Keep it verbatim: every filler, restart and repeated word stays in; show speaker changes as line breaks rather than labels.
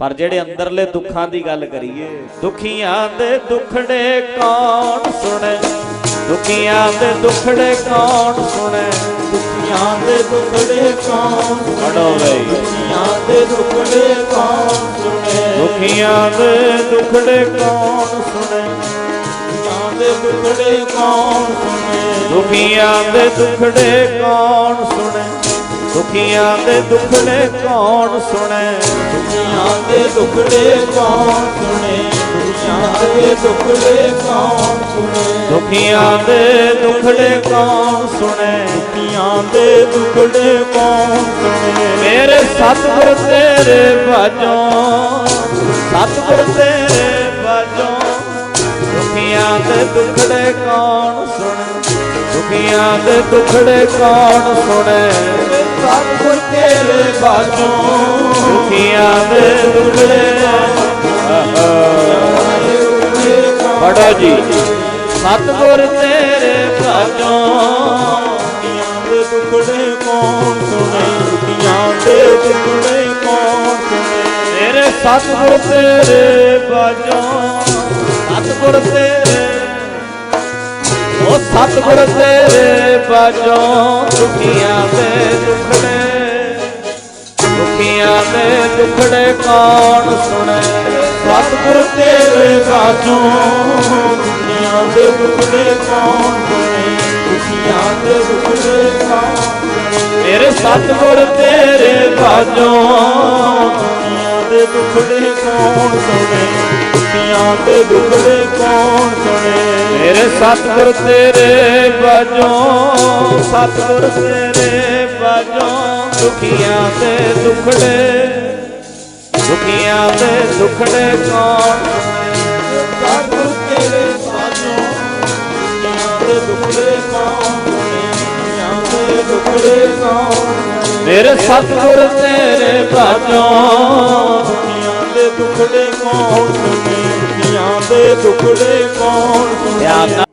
पर जेड़े अंदरले दुखां दी गल करिए, दुखियां दे दुखड़े कौन सुने, दुखियां दे दुखड़े कौन सुने,
दुखियां दे दुखड़े कौन
पढ़ो भाई।
दुखियां दे दुखड़े कौन सुने,
दुखियां दे दुखड़े कौन सुने,
दुखियां दे दुखड़े कौन सुने,
दुखियां दे दुखड़े कौन सुने, दुखियां दे दुखड़े कौन सुने,
दुखियां दे दुखड़े कौन सुने, दुखियां दे दुखड़े कौन सुने,
दुखियां दे दुखड़े कौन सुने,
दुखियां दे दुखड़े कौन सुने।
मेरे सतगुर तेरे बाजों, सतगुर तेरे बाजों, दुखियां दे दुखड़े कौन सुने, दुखियां दे दुखड़े कौन सुने,
सतगुर तेरे बाजों,
दुखियां दे दुखड़े पढ़ो जी। सतगुर तेरे बाजों,
दुखियां दे दुखड़े कौन सुने, दुखियां दे दुखड़े कौन सुने।
मेरे सतगुर तेरे बाजों, सतगुर तेरे, ओ सतगुर तेरे बाजों, दुखियां दे दुखड़े, दुखियां दे दुखड़े कौन सुने,
सतगुर तेरे बाजों, दुखियां दे दुखड़े कौन सुने, दुखियां दे दुखड़े कौन सुने।
मेरे सतगुर तेरे बाजों,
दुखियां दे दुखड़े कौन सुने, दुखियां दे दुखड़े कौन सुने।
मेरे सतगुर तेरे बाजों, सतगुर तेरे बाजों, दुखियां दे दुखड़े, दुखियां दे दुखड़े कौन सुने,
सतगुर तेरे बाजों, दुखियां दे दुखड़े कौन सुने, दुखियां दे दुखड़े कौन सुने।
मेरे सतगुर तेरे बाजों,
दुखियां दे दुखड़े कौन सुने, दुखियां दे दुखड़े कौन सुने।